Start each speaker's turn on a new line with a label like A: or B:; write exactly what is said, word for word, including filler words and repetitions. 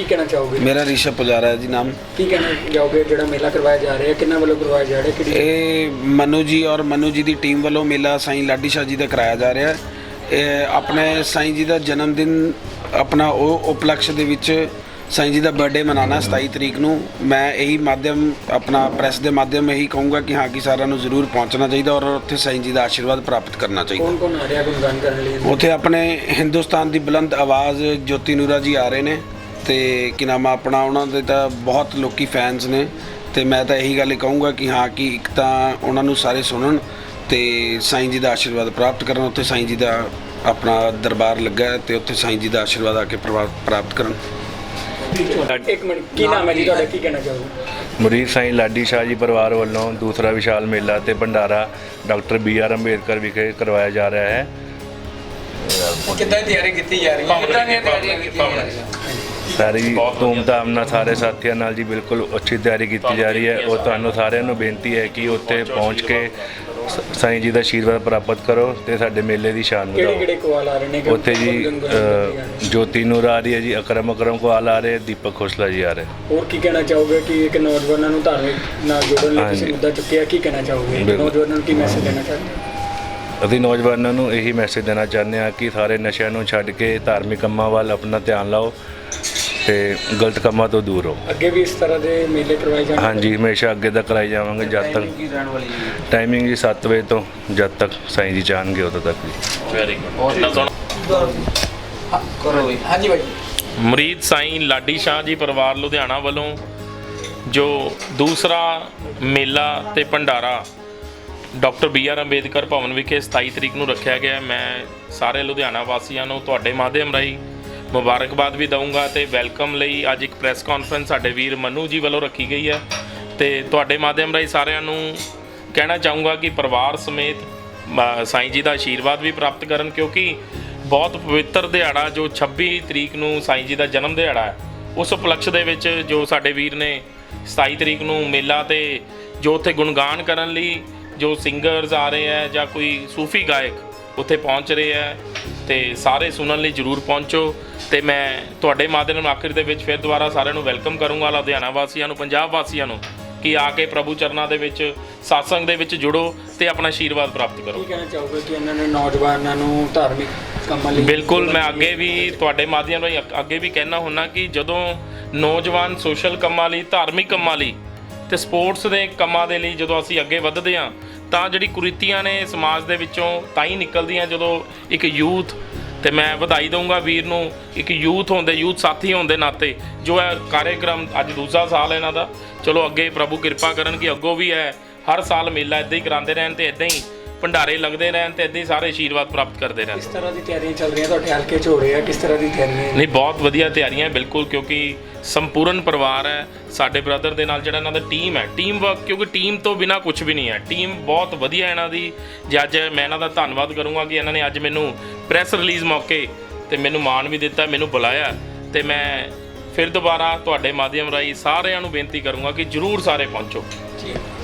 A: कहना चाहोगे?
B: मेरा ऋषभ पुजारा है जी नाम।
A: की कहना चाहोगे जो मेला करवाया जा रहा है, किन्ना वालों करवाया जा रहा है?
B: ये मनु जी और मनु जी की टीम वालों मेला साईं लाडी शाह जी का कराया जा रहा है। ਇਹ ਆਪਣੇ ਸਾਈਂ ਜੀ ਦਾ ਜਨਮ ਦਿਨ ਆਪਣਾ ਉਹ ਉਪਲਕਸ਼ ਦੇ ਵਿੱਚ ਸਾਈਂ ਜੀ ਦਾ ਬਰਥਡੇ ਮਨਾਉਣਾ ਸਤਾਈ ਤਰੀਕ ਨੂੰ। ਮੈਂ ਇਹੀ ਮਾਧਿਅਮ ਆਪਣਾ ਪ੍ਰੈਸ ਦੇ ਮਾਧਿਅਮ ਇਹੀ ਕਹੂੰਗਾ ਕਿ ਹਾਂ ਕਿ ਸਾਰਿਆਂ ਨੂੰ ਜ਼ਰੂਰ ਪਹੁੰਚਣਾ ਚਾਹੀਦਾ ਔਰ ਉੱਥੇ ਸਾਈਂ ਜੀ ਦਾ ਆਸ਼ੀਰਵਾਦ ਪ੍ਰਾਪਤ ਕਰਨਾ ਚਾਹੀਦਾ।
A: ਕੌਣ ਕੌਣ ਆ ਰਿਹਾ ਗੁਣਗਾਨ ਕਰਨ ਲਈ?
B: ਉੱਥੇ ਆਪਣੇ ਹਿੰਦੁਸਤਾਨ ਦੀ ਬੁਲੰਦ ਆਵਾਜ਼ ਜੋਤੀ ਨੂਰਾ ਜੀ ਆ ਰਹੇ ਨੇ ਤੇ ਕੀ ਨਾਮ ਆ ਆਪਣਾ ਉਹਨਾਂ ਦੇ ਤਾਂ ਬਹੁਤ ਲੋਕੀ ਫੈਨਸ ਨੇ ਤੇ ਮੈਂ ਤਾਂ ਇਹੀ ਗੱਲ ਕਹੂੰਗਾ ਕਿ ਹਾਂ ਕਿ ਇੱਕ ਤਾਂ ਉਹਨਾਂ ਨੂੰ ਸਾਰੇ ਸੁਣਨ ਤੇ ਸਾਈਂ ਜੀ ਦਾ ਆਸ਼ੀਰਵਾਦ ਪ੍ਰਾਪਤ ਕਰਨ। ਉੱਥੇ ਸਾਈਂ ਜੀ ਦਾ ਆਪਣਾ ਦਰਬਾਰ ਲੱਗਾ ਤੇ ਉੱਥੇ ਸਾਈਂ ਜੀ ਦਾ ਆਸ਼ੀਰਵਾਦ ਆ ਕੇ ਪ੍ਰਾਪਤ ਕਰਨ।
A: ਇੱਕ ਮਿੰਟ, ਕੀ ਨਾਮ ਹੈ ਜੀ ਤੁਹਾਡਾ, ਕੀ ਕਹਿਣਾ ਚਾਹੋਗੇ?
C: ਮੁਰੀਦ ਸਾਈਂ ਲਾਡੀ ਸ਼ਾਹ ਜੀ ਪਰਿਵਾਰ ਵੱਲੋਂ ਦੂਸਰਾ ਵਿਸ਼ਾਲ ਮੇਲਾ ਤੇ ਭੰਡਾਰਾ ਡਾਕਟਰ ਬੀ ਆਰ ਅੰਬੇਦਕਰ ਵਿਖੇ ਕਰਵਾਇਆ ਜਾ ਰਿਹਾ ਹੈ।
A: ਕਿੱਦਾਂ ਤਿਆਰੀ ਕੀਤੀ ਜਾ ਰਹੀ ਹੈ? ਕਿੱਦਾਂ ਦੀਆਂ ਤਿਆਰੀਆਂ ਕੀਤੀਆਂ ਜਾ ਰਹੀਆਂ?
C: ਸਾਰੀ ਧੂਮਧਾਮ ਨਾਲ ਸਾਰੇ ਸਾਥੀਆਂ ਨਾਲ ਜੀ ਬਿਲਕੁਲ ਅੱਛੀ ਤਿਆਰੀ ਕੀਤੀ ਜਾ ਰਹੀ ਹੈ। ਉਹ ਤੁਹਾਨੂੰ ਸਾਰਿਆਂ ਨੂੰ ਬੇਨਤੀ ਹੈ ਕਿ ਉੱਥੇ ਪਹੁੰਚ ਕੇ ਸਾਈਂ ਜੀ ਦਾ ਆਸ਼ੀਰਵਾਦ ਪ੍ਰਾਪਤ ਕਰੋ ਤੇ ਸਾਡੇ ਮੇਲੇ ਦੀ ਸ਼ਾਨ ਵਧਾਓ।
A: ਕਿਹੜੇ ਕਿਹੜੇ ਕੋਲ ਆ ਰਹੇ ਨੇ?
C: ਉੱਥੇ ਜੀ ਜੋਤੀ ਨੂਰ ਆ ਰਹੀ ਹੈ ਜੀ, ਅਕਰਮ ਅਕਰਮ ਕੋਲ ਆ ਰਹੇ, ਦੀਪਕ ਖੋਸਲਾ ਜੀ ਆ ਰਹੇ।
A: ਹੋਰ ਕੀ ਕਹਿਣਾ ਚਾਹੋਗੇ ਕਿ ਇੱਕ ਨੌਜਵਾਨਾਂ ਨੂੰ ਧਾਰਮਿਕ ਨਾਲ ਜੋੜਨ ਲਈ ਤੁਸੀਂ ਮੁੱਦਾ ਚੁੱਕਿਆ, ਕੀ ਕਹਿਣਾ ਚਾਹੋਗੇ? ਨੌਜਵਾਨਾਂ ਨੂੰ ਕੀ ਮੈਸੇਜ ਦੇਣਾ ਚਾਹੁੰਦੇ ਹੋ?
C: ਅਸੀਂ ਨੌਜਵਾਨਾਂ ਨੂੰ ਇਹੀ ਮੈਸੇਜ ਦੇਣਾ ਚਾਹੁੰਦੇ ਹਾਂ ਕਿ ਸਾਰੇ ਨਸ਼ਿਆਂ ਨੂੰ ਛੱਡ ਕੇ ਧਾਰਮਿਕ ਕੰਮਾਂ ਵੱਲ ਆਪਣਾ ਧਿਆਨ ਲਾਓ ਤੇ ਗਲਤ ਕੰਮਾਂ ਤੋਂ ਦੂਰ ਰਹੋ। ਅੱਗੇ
A: ਵੀ ਇਸ ਤਰ੍ਹਾਂ ਦੇ ਮੇਲੇ ਕਰਵਾਏ ਜਾਣਗੇ?
C: ਹਾਂਜੀ, ਹਮੇਸ਼ਾ ਅੱਗੇ ਤੱਕ ਕਰਾਈ ਜਾਵਾਂਗੇ ਜਦ ਤੱਕ ਟਾਈਮਿੰਗ ਜੀ ਸੱਤ ਵਜੇ ਤੋਂ ਜਦ ਤੱਕ ਸਾਈਂ ਜੀ ਚਾਹਣਗੇ ਉਦੋਂ ਤੱਕ ਜੀ।
D: Very good.
A: ਹਾਂਜੀ ਭਾਈ।
D: ਮੁਰੀਦ ਸਾਈਂ ਲਾਡੀ ਸ਼ਾਹ ਜੀ ਪਰਿਵਾਰ ਲੁਧਿਆਣਾ ਵੱਲੋਂ ਜੋ ਦੂਸਰਾ ਮੇਲਾ ਤੇ ਭੰਡਾਰਾ ਡਾਕਟਰ ਬੀ ਆਰ ਅੰਬੇਦਕਰ ਭਵਨ ਵਿਖੇ ਸਤਾਈ ਤਰੀਕ ਨੂੰ ਰੱਖਿਆ ਗਿਆ। ਮੈਂ ਸਾਰੇ ਲੁਧਿਆਣਾ ਵਾਸੀਆਂ ਨੂੰ ਤੁਹਾਡੇ ਮਾਧਿਅਮ ਰਾਹੀਂ ਮੁਬਾਰਕਬਾਦ ਵੀ ਦਊਂਗਾ ਤੇ ਵੈਲਕਮ ਲਈ ਅੱਜ ਇੱਕ ਪ੍ਰੈਸ ਕਾਨਫਰੰਸ ਸਾਡੇ ਵੀਰ ਮਨੂ ਜੀ ਵੱਲੋਂ ਰੱਖੀ ਗਈ ਹੈ ਤੇ ਤੁਹਾਡੇ ਮਾਧਿਅਮ ਰਾਹੀਂ ਸਾਰਿਆਂ ਨੂੰ ਕਹਿਣਾ ਚਾਹੂੰਗਾ ਕਿ ਪਰਿਵਾਰ ਸਮੇਤ ਸਾਈਂ ਜੀ ਦਾ ਆਸ਼ੀਰਵਾਦ ਵੀ ਪ੍ਰਾਪਤ ਕਰਨ, ਕਿਉਂਕਿ ਬਹੁਤ ਪਵਿੱਤਰ ਦਿਹਾੜਾ ਜੋ ਛੱਬੀ ਤਰੀਕ ਨੂੰ ਸਾਈਂ ਜੀ ਦਾ ਜਨਮ ਦਿਹਾੜਾ ਹੈ, ਉਸ ਉਪਲਕਸ਼ ਦੇ ਵਿੱਚ ਜੋ ਸਾਡੇ ਵੀਰ ਨੇ ਸਤਾਈ ਤਰੀਕ ਨੂੰ ਮੇਲਾ ਤੇ ਜੋ ਉੱਥੇ ਗੁਣਗਾਨ ਕਰਨ ਲਈ ਜੋ ਸਿੰਗਰਸ ਆ ਰਹੇ ਹੈ ਜਾਂ ਕੋਈ ਸੂਫੀ ਗਾਇਕ ਉੱਥੇ ਪਹੁੰਚ ਰਹੇ ਹੈ ਤੇ ਸਾਰੇ ਸੁਣਨ ਲਈ ਜ਼ਰੂਰ ਪਹੁੰਚੋ। ਤੇ ਮੈਂ ਤੁਹਾਡੇ ਮਾਧਿਅਮ ਨਾਲ ਆਖਿਰ ਦੇ ਵਿੱਚ ਫਿਰ ਦੁਬਾਰਾ ਸਾਰਿਆਂ ਨੂੰ ਵੈਲਕਮ ਕਰੂੰਗਾ, ਲੁਧਿਆਣਾ ਵਾਸੀਆਂ ਨੂੰ, ਪੰਜਾਬ ਵਾਸੀਆਂ ਨੂੰ, ਕਿ ਆ ਕੇ ਪ੍ਰਭੂ ਚਰਨਾਂ ਦੇ ਵਿੱਚ ਸਤਸੰਗ ਦੇ ਵਿੱਚ ਜੁੜੋ ਤੇ ਆਪਣਾ ਆਸ਼ੀਰਵਾਦ ਪ੍ਰਾਪਤ ਕਰੋ।
A: ਕੀ ਕਹਿਣਾ ਚਾਹੋਗੇ ਕਿ ਇਹਨਾਂ ਨੇ ਨੌਜਵਾਨਾਂ ਨੂੰ ਧਾਰਮਿਕ ਕੰਮਾਂ ਲਈ?
D: ਬਿਲਕੁਲ, ਮੈਂ ਅੱਗੇ ਵੀ ਤੁਹਾਡੇ ਮਾਧਿਅਮ ਰਾਹੀਂ ਅੱਗੇ ਵੀ ਕਹਿਣਾ ਹੁੰਦਾ ਕਿ ਜਦੋਂ ਨੌਜਵਾਨ ਸੋਸ਼ਲ ਕੰਮਾਂ ਲਈ, ਧਾਰਮਿਕ ਕੰਮਾਂ ਲਈ ਤੇ ਸਪੋਰਟਸ ਦੇ ਕੰਮਾਂ ਦੇ ਲਈ ਜਦੋਂ ਅਸੀਂ ਅੱਗੇ ਵੱਧਦੇ ਹਾਂ ਤਾਂ ਜਿਹੜੀ ਕੁਰੀਤੀਆਂ ਨੇ ਸਮਾਜ ਦੇ ਵਿੱਚੋਂ ਤਾਂ ਹੀ ਨਿਕਲਦੀਆਂ ਜਦੋਂ ਇੱਕ ਯੂਥ, ਤੇ ਮੈਂ ਵਧਾਈ ਦਊਂਗਾ ਵੀਰ ਨੂੰ, ਇੱਕ ਯੂਥ ਹੁੰਦੇ, ਯੂਥ ਸਾਥੀ ਹੋਣ ਦੇ ਨਾਤੇ ਜੋ ਹੈ ਕਾਰਿਆਕ੍ਰਮ ਅੱਜ ਦੂਸਰਾ ਸਾਲ ਇਹਨਾਂ ਦਾ। ਚਲੋ ਅੱਗੇ ਪ੍ਰਭੂ ਕਿਰਪਾ ਕਰਨ ਕਿ ਅੱਗੋਂ ਵੀ ਹੈ ਹਰ ਸਾਲ ਮੇਲਾ ਇੱਦਾਂ ਹੀ ਕਰਾਉਂਦੇ ਰਹਿਣ ਤੇ ਇੱਦਾਂ ਹੀ ਭੰਡਾਰੇ ਲੱਗਦੇ ਰਹਿਣ ਤੇ ਇੱਦਾਂ ਹੀ ਸਾਰੇ ਆਸ਼ੀਰਵਾਦ ਪ੍ਰਾਪਤ ਕਰਦੇ ਰਹਿਣ।
A: ਕਿਸ ਤਰ੍ਹਾਂ ਦੀ ਤਿਆਰੀਆਂ ਚੱਲ ਰਹੀਆਂ ਤੁਹਾਡੇ ਹਲਕੇ 'ਚ ਹੋ ਰਿਹਾ? ਕਿਸ ਤਰ੍ਹਾਂ ਦੀ ਤਿਆਰੀਆਂ?
D: ਨਹੀਂ, ਬਹੁਤ ਵਧੀਆ ਤਿਆਰੀਆਂ ਬਿਲਕੁਲ, ਕਿਉਂਕਿ ਸੰਪੂਰਨ ਪਰਿਵਾਰ ਹੈ ਸਾਡੇ ਬ੍ਰਦਰ ਦੇ ਨਾਲ, ਜਿਹੜਾ ਇਹਨਾਂ ਦਾ ਟੀਮ ਹੈ, ਟੀਮ ਵਰਕ, ਕਿਉਂਕਿ ਟੀਮ ਤੋਂ ਬਿਨਾਂ ਕੁਝ ਵੀ ਨਹੀਂ ਹੈ। ਟੀਮ ਬਹੁਤ ਵਧੀਆ ਇਹਨਾਂ ਦੀ। ਜੇ ਅੱਜ ਮੈਂ ਇਹਨਾਂ ਦਾ ਧੰਨਵਾਦ ਕਰੂੰਗਾ ਕਿ ਇਹਨਾਂ ਨੇ ਅੱਜ ਮੈਨੂੰ ਪ੍ਰੈਸ ਰਿਲੀਜ਼ ਮੌਕੇ ਤੇ ਮੈਨੂੰ ਮਾਣ ਵੀ ਦਿੱਤਾ, ਮੈਨੂੰ ਬੁਲਾਇਆ ਤੇ ਮੈਂ ਫਿਰ ਦੁਬਾਰਾ ਤੁਹਾਡੇ ਮਾਧਿਅਮ ਰਾਹੀਂ ਸਾਰਿਆਂ ਨੂੰ ਬੇਨਤੀ ਕਰੂੰਗਾ ਕਿ ਜ਼ਰੂਰ ਸਾਰੇ ਪਹੁੰਚੋ।